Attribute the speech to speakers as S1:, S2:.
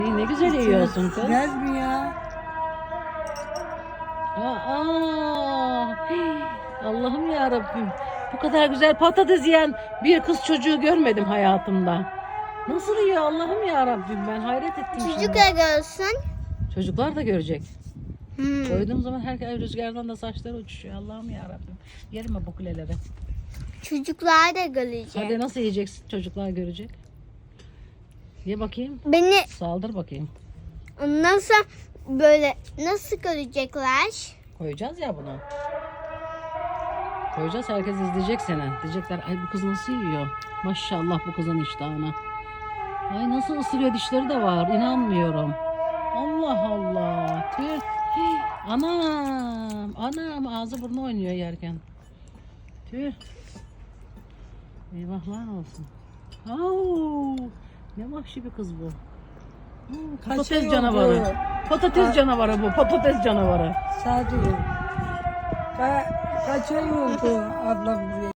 S1: Ne güzel yiyorsun kız.
S2: Güzel mi ya?
S1: Allah'ım ya Rabbim. Bu kadar güzel patates yiyen bir kız çocuğu görmedim hayatımda. Nasıl yiyor Allah'ım ya Rabbim, ben hayret ettim şimdi.
S3: Çocuklar görsün.
S1: Çocuklar da görecek. Koyduğum zaman her rüzgardan da saçları uçuşuyor. Allah'ım ya Rabbim. Yerim ben bu kuleleri.
S3: Çocuklar da görecek.
S1: Hadi nasıl yiyeceksin? Çocuklar görecek. Ye bakayım.
S3: Beni
S1: Saldır bakayım.
S3: nasıl böyle nasıl görecekler?
S1: Koyacağız ya bunu. Koyacağız, herkes izleyecek seni. Diyecekler ay bu kız nasıl yiyor? Maşallah bu kızın iştahına. Ay nasıl ısırıyor, dişleri de var. İnanmıyorum. Allah Allah. Tüh. Hii. Anam ağzı burnu oynuyor yerken. Tüh. Eyvahlar olsun. Au. Ne vahşi bir kız bu. Patates
S2: Kaçıyor
S1: canavarı.
S2: bu.
S1: Patates canavarı bu. Patates canavarı.
S2: Sadece. Kaçıyor bu ablam buraya.